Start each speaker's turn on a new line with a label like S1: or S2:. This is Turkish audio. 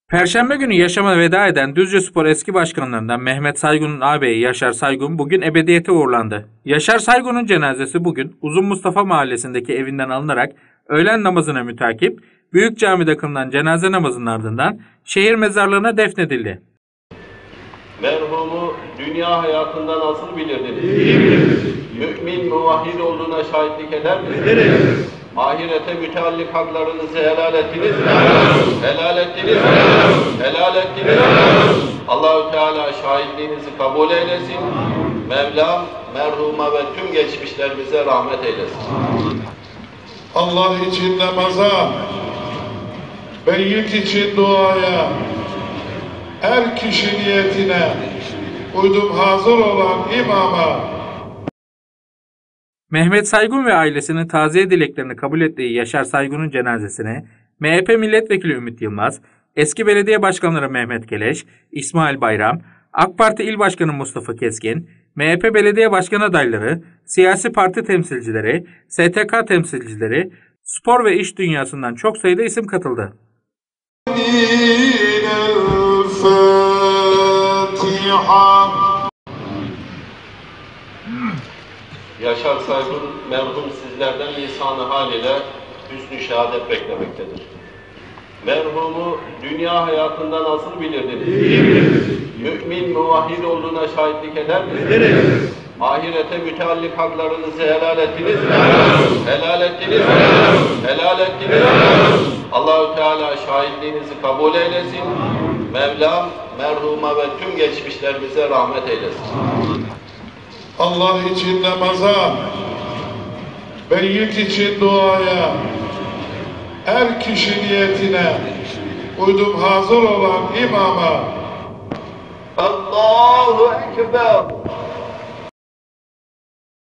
S1: Perşembe günü yaşama veda eden Düzcespor eski başkanlarından Mehmet Saygun'un ağabeyi Yaşar Saygun bugün ebediyete uğurlandı. Yaşar Saygun'un cenazesi bugün Uzun Mustafa Mahallesi'ndeki evinden alınarak öğlen namazına mütakip Büyük Cami'de kılınan cenaze namazının ardından şehir mezarlığına defnedildi.
S2: Merhumu dünya hayatında nasıl bilirdiniz? İyi biliriz. Mümin, muvahhid olduğuna şahitlik eder misiniz? Ahirete müteallik haklarınızı helal ettiniz mi? Helal ettiniz mi? Helal ettiniz mi? Allah-u Teala şahitliğinizi kabul eylesin. Mevlam merhuma ve tüm geçmişlerimize rahmet eylesin.
S3: Allah için namaza, beylik için duaya, her kişi niyetine uydum hazır olan imama.
S1: Mehmet Saygun ve ailesinin taziye dileklerini kabul ettiği Yaşar Saygun'un cenazesine MHP Milletvekili Ümit Yılmaz, eski belediye başkanları Mehmet Keleş, İsmail Bayram, AK Parti İl Başkanı Mustafa Keskin, MHP belediye başkan adayları, siyasi parti temsilcileri, STK temsilcileri, spor ve iş dünyasından çok sayıda isim katıldı.
S2: Yaşar Saygun merhum sizlerden lisan-ı hal ile hüsnü şehadet beklemektedir. Merhumu dünya hayatında nasıl bilirdiniz? İyi biliriz. Mümin, muvahhid olduğuna şahitlik eder misiniz? Ahirete müteallik haklarınızı helal ettiniz mi? Helal ettiniz mi? Helal ettiniz mi? Allah-u Teala şahitliğinizi kabul eylesin. Mevlam merhuma ve tüm geçmişlerimize rahmet eylesin.
S3: Allah için namaza, beylik için duaya, her kişi niyetine uydum hazır olan imama.
S2: Allahu Ekber.